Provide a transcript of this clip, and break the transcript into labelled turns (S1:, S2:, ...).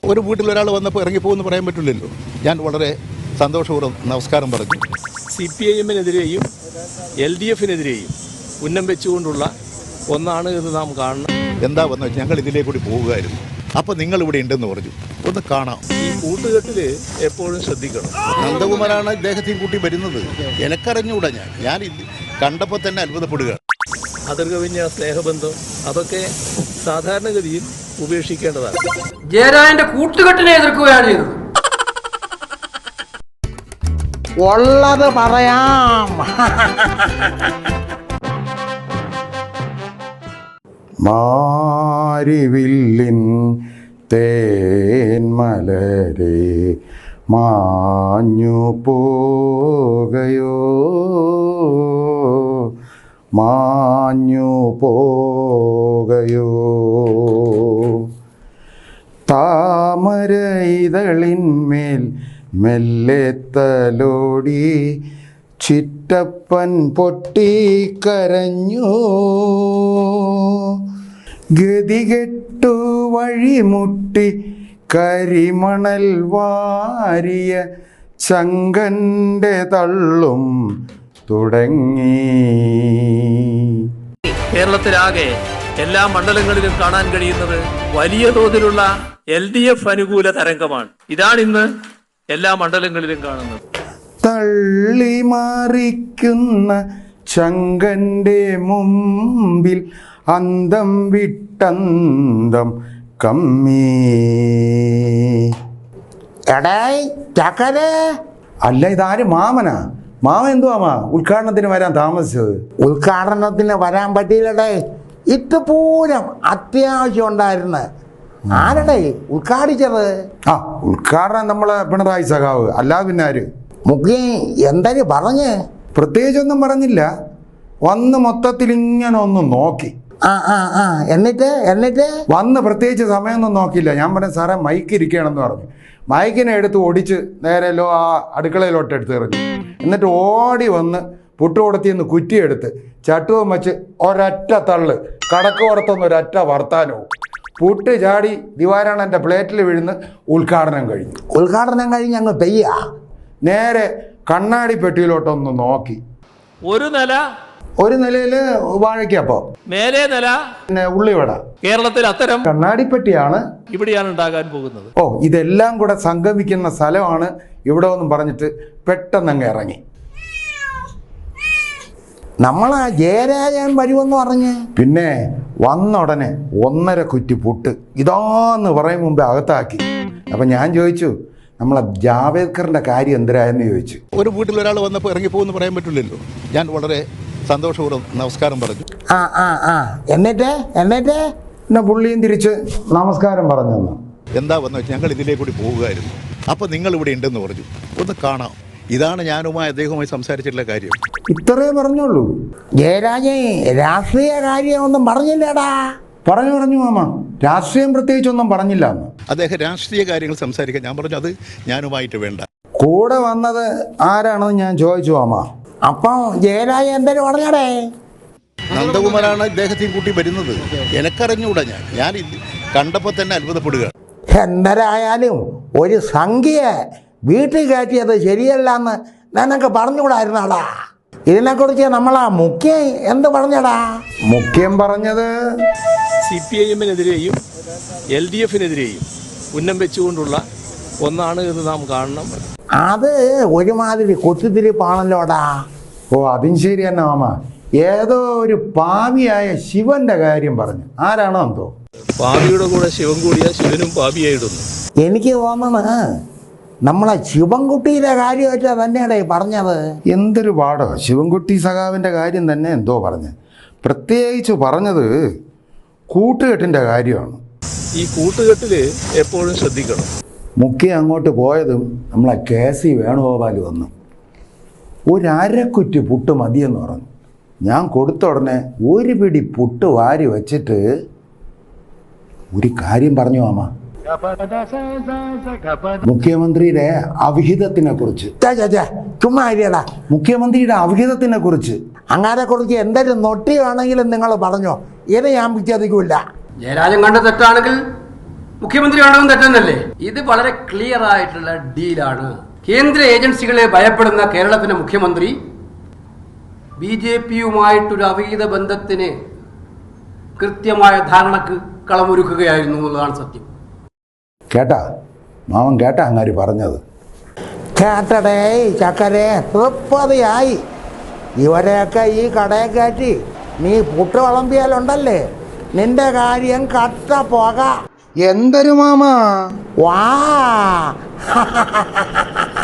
S1: ഒരു വീട്ടിൽ ഒരാൾ വന്നപ്പോൾ ഇറങ്ങിപ്പോകുമെന്ന് പറയാൻ പറ്റില്ലല്ലോ. ഞാൻ വളരെ സന്തോഷപൂർവ്വം നമസ്കാരം പറഞ്ഞു.
S2: CPIM-നെതിരെയും LDF-നെതിരെയും ഉന്നം വെച്ചുകൊണ്ടുള്ള ഒന്നാണ് എന്ന് നാം കാണണം.
S1: എന്താ വന്നു വെച്ചാൽ ഞങ്ങൾ ഇതിലേ കൂടി പോവുകയായിരുന്നു. അപ്പോൾ നിങ്ങൾ ഇവിടെ ഉണ്ടെന്ന് പറഞ്ഞു. ഒന്ന് കാണാം.
S2: ഈ കൂട്ടുകെട്ടിൽ എപ്പോഴും ശ്രദ്ധിക്കണം.
S1: നന്ദകുമാരാണ് ഇദ്ദേഹത്തെയും കൂട്ടി വരുന്നത്. എനക്കറിഞ്ഞുകൂടാ. ഞാൻ ഇത് കണ്ടപ്പോൾ തന്നെ അത്ഭുതപ്പെടുക.
S2: അതിർകവിഞ്ഞ സ്നേഹബന്ധം അതൊക്കെ സാധാരണഗതിയിൽ ഉപേക്ഷിക്കേണ്ടതാണ്.
S3: ജയരാജന്റെ കൂട്ടുകെട്ടിനെ എതിർക്കുകയാണ് ചെയ്തത്.
S4: ഉള്ളത് പറയാം.
S5: മാരിവില്ലിൻ തേന്മലരെ മാഞ്ഞു പോകയോ, മാഞ്ഞു പോകയോ. താമര ഇതളിന്മേൽ മെല്ലെ തലോടി ചിറ്റപ്പൻ പൊട്ടിക്കരഞ്ഞു. ഗതികെട്ടു വഴിമുട്ടി കരിമണൽ വാരിയ ചങ്കന്റെ തള്ളും തുടങ്ങി.
S2: കേരളത്തിലാകെ എല്ലാ മണ്ഡലങ്ങളിലും കാണാൻ കഴിയുന്നത് വലിയ തോതിലുള്ള LDF അനുകൂല തരംഗമാണ്. ഇതാണിന്ന് എല്ലാ മണ്ഡലങ്ങളിലും കാണുന്നത്.
S5: തള്ളിമാറിക്കുന്ന ചങ്കന്റെ മുമ്പിൽ അന്തം വിട്ടന്തം കമ്മി.
S4: എടേ ചക്കരേ,
S5: അല്ല ഇതാര് മാമനാ? മാമൻ എന്തുവാ ഉദ്ഘാടനത്തിന് വരാൻ താമസിച്ചത്?
S4: ഉദ്ഘാടനത്തിന് വരാൻ പറ്റിയില്ലടേ. ഇതുപോലും അത്യാവശ്യം ഉണ്ടായിരുന്നു. ആരടേ ഉദ്ഘാടിച്ചത്?
S5: ആ ഉദ്ഘാടനം നമ്മളെ പിണറായി സഖാവ്, അല്ലാതെ പിന്നെ ആര്?
S4: മുഖ്യ എന്തൊരു പറഞ്ഞ്?
S5: പ്രത്യേകിച്ചൊന്നും പറഞ്ഞില്ല. വന്ന് മൊത്തത്തിൽ ഇങ്ങനെ ഒന്ന് നോക്കി.
S4: എന്നിട്ട്
S5: വന്ന് പ്രത്യേകിച്ച് സമയമൊന്നും നോക്കിയില്ല. ഞാൻ പറഞ്ഞു സാറേ മൈക്ക് ഇരിക്കുകയാണെന്ന് പറഞ്ഞു. മൈക്കിനെ എടുത്ത് ഓടിച്ച് നേരെല്ലോ ആ അടുക്കളയിലോട്ട് എടുത്ത് എറിഞ്ഞു. എന്നിട്ട് ഓടി വന്ന് പുട്ടുകൊടത്തിന്ന് കുറ്റിയെടുത്ത് ചട്ടുവും വെച്ച് ഒരൊറ്റ തള്ള്, കടക്കോടത്തൊന്ന് ഒരൊറ്റ വർത്താനവും. പുട്ട് ചാടി ദിവാരാണൻ്റെ പ്ലേറ്റിൽ വീഴുന്ന്. ഉദ്ഘാടനം
S4: കഴിഞ്ഞ് അങ്ങ് പെയ്യ.
S5: നേരെ കണ്ണാടി പെട്ടിയിലോട്ടൊന്ന് നോക്കി.
S2: ഒരു
S5: നിലയിൽ വാഴയ്ക്കപ്പോ,
S2: മേലെ നില
S5: പിന്നെ ഉള്ളിവട.
S2: കേരളത്തിൽ അത്തരം
S5: കണ്ണാടിപ്പെട്ടിയാണ്
S2: ഇവിടെയാണ് ഉണ്ടാകാൻ പോകുന്നത്.
S5: ഓ ഇതെല്ലാം കൂടെ സംഗമിക്കുന്ന സ്ഥലമാണ് ഇവിടെ ഒന്നും പറഞ്ഞിട്ട് പെട്ടെന്ന് അങ്ങ് ഇറങ്ങി.
S4: നമ്മളാ ജയരാജൻ വരുമെന്ന് പറഞ്ഞ്
S5: പിന്നെ വന്ന ഉടനെ 1.5 കുറ്റി പുട്ട് ഇതാന്ന് പറയും മുമ്പേ അകത്താക്കി. അപ്പം ഞാൻ ചോദിച്ചു നമ്മളെ ജാവേദ്കറിൻ്റെ കാര്യം എന്തിനായെന്ന് ചോദിച്ചു.
S1: ഒരു വീട്ടിൽ ഒരാൾ വന്നപ്പോൾ ഇറങ്ങിപ്പോകുമെന്ന് പറയാൻ പറ്റില്ലല്ലോ. ഞാൻ വളരെ സന്തോഷപൂർവ്വം നമസ്കാരം പറഞ്ഞു.
S4: എന്നിട്ട്
S5: പിന്നെ പുള്ളിയും തിരിച്ച് നമസ്കാരം പറഞ്ഞു.
S1: എന്താ വന്നു വെച്ചാൽ ഞങ്ങൾ ഇതിലേ കൂടി പോവുകയായിരുന്നു. അപ്പോൾ നിങ്ങൾ ഇവിടെ ഉണ്ടെന്ന് പറഞ്ഞു. ഒന്ന് കാണാം. ഇതാണ് ഞാനുമായി അദ്ദേഹവുമായി സംസാരിച്ചിട്ടുള്ള കാര്യം.
S5: ഇത്രേ പറഞ്ഞുള്ളൂ.
S4: ജയരാജൻ രാഷ്ട്രീയ കാര്യമൊന്നും പറഞ്ഞില്ലടാ.
S5: പറഞ്ഞു മാമ, രാഷ്ട്രീയം പ്രത്യേകിച്ചൊന്നും പറഞ്ഞില്ല എന്ന്.
S1: അദ്ദേഹം രാഷ്ട്രീയ കാര്യങ്ങൾ സംസാരിക്കാൻ ഞാൻ പറഞ്ഞു അത് ഞാനുമായിട്ട് വേണ്ട.
S5: കൂടെ വന്നത് ആരാണെന്ന് ഞാൻ ചോദിച്ചു മാമ.
S4: അപ്പം ജയരാജൻ എന്തൊരു പറഞ്ഞടേ?
S1: നന്ദകുമാരാണ് ഇദ്ദേഹത്തെയും കൂട്ടി വരുന്നത്. എനക്കറിഞ്ഞുകൂടാ. ഞാൻ ഇത് കണ്ടപ്പോൾ തന്നെ അത്ഭുതപ്പെടുക.
S4: എന്തരായാലും ഒരു സംഖ്യ വീട്ടിൽ കയറ്റിയത് ശരിയല്ല എന്ന് നിനക്ക് പറഞ്ഞുകൂടായിരുന്നാടാ. ഇതിനെക്കുറിച്ച് നമ്മളാ മുഖ്യം എന്ത് പറഞ്ഞടാ?
S5: മുഖ്യം പറഞ്ഞത്
S2: CPIM-നെതിരെയും LDF-നെതിരെയും ഉന്നം വെച്ചുകൊണ്ടുള്ള ഒന്നാണ് എന്ന് നാം കാണണം.
S4: അത് ഒരുമാതിരി കൊത്തിത്തിരിപ്പാണല്ലോടാ.
S5: ഓ അതും ശരി തന്നെ മാമ. ഏതോ ഒരു പാവിയായ ശിവന്റെ കാര്യം പറഞ്ഞു. ആരാണോ എന്തോ.
S2: പാപിയുടെ കൂടെ ശിവൻ കൂടിയ ശിവനും പാപിയായിടുന്നു.
S4: എനിക്ക് തോന്നണ നമ്മളെ ശിവൻകുട്ടിയുടെ കാര്യമായിട്ടാ തന്നെയാടേ പറഞ്ഞത്.
S5: എന്തൊരു പാടോ. ശിവൻകുട്ടി സഖാവിൻ്റെ കാര്യം തന്നെ എന്തോ പറഞ്ഞ്. പ്രത്യേകിച്ച് പറഞ്ഞത് കൂട്ടുകെട്ടിൻ്റെ കാര്യമാണ്.
S2: ഈ കൂട്ടുകെട്ടിൽ എപ്പോഴും ശ്രദ്ധിക്കണം.
S5: മുഖ്യ അങ്ങോട്ട് പോയതും നമ്മളെ KC വേണുഗോപാൽ വന്നു. 1.5 കുറ്റി പുട്ട് മതിയെന്ന് പറഞ്ഞു. ഞാൻ കൊടുത്ത ഉടനെ 1 പിടി പുട്ട് വാരി വച്ചിട്ട് ഒരു കാര്യം പറഞ്ഞു മാമ. മുഖ്യമന്ത്രിയുടെ അവിഹിതത്തിനെ കുറിച്ച്.
S4: ചുമ്മാ ഇരിയടാ.
S5: മുഖ്യമന്ത്രിയുടെ അവിഹിതത്തിനെ കുറിച്ച്
S4: അങ്ങനെ കുറിച്ച് എന്തൊരു നൊട്ടി വേണമെങ്കിലും നിങ്ങൾ പറഞ്ഞോ. ഇത് ഞാൻ വിശ്വസിക്കില്ല.
S3: ജയരാജൻ കണ്ട തെറ്റാണെങ്കിൽ മുഖ്യമന്ത്രി വേണ്ടതും തെറ്റെന്നല്ലേ? ഇത് വളരെ ക്ലിയർ ആയിട്ടുള്ള ഡീലാണ്. കേന്ദ്ര ഏജൻസികളെ ഭയപ്പെടുന്ന കേരളത്തിന്റെ മുഖ്യമന്ത്രി BJPയുമായിട്ടൊരു അവീത ബന്ധത്തിന് കൃത്യമായ ധാരണക്ക് കളമൊരുക്കുകയായിരുന്നു എന്നുള്ളതാണ് സത്യം.
S5: കേട്ടാ മാമൻ കേട്ടാ അങ്ങാരി പറഞ്ഞത്?
S4: കേട്ടടേ ചക്കരെ, തൃപ്പതിയായി. ഇവരെയൊക്കെ ഈ കടയെ കയറ്റി നീ പുട്ട് വിളമ്പിയാലുണ്ടല്ലേ, നിന്റെ കാര്യം കട്ട പോക.
S5: എന്തൊരു മാമാ
S4: വാ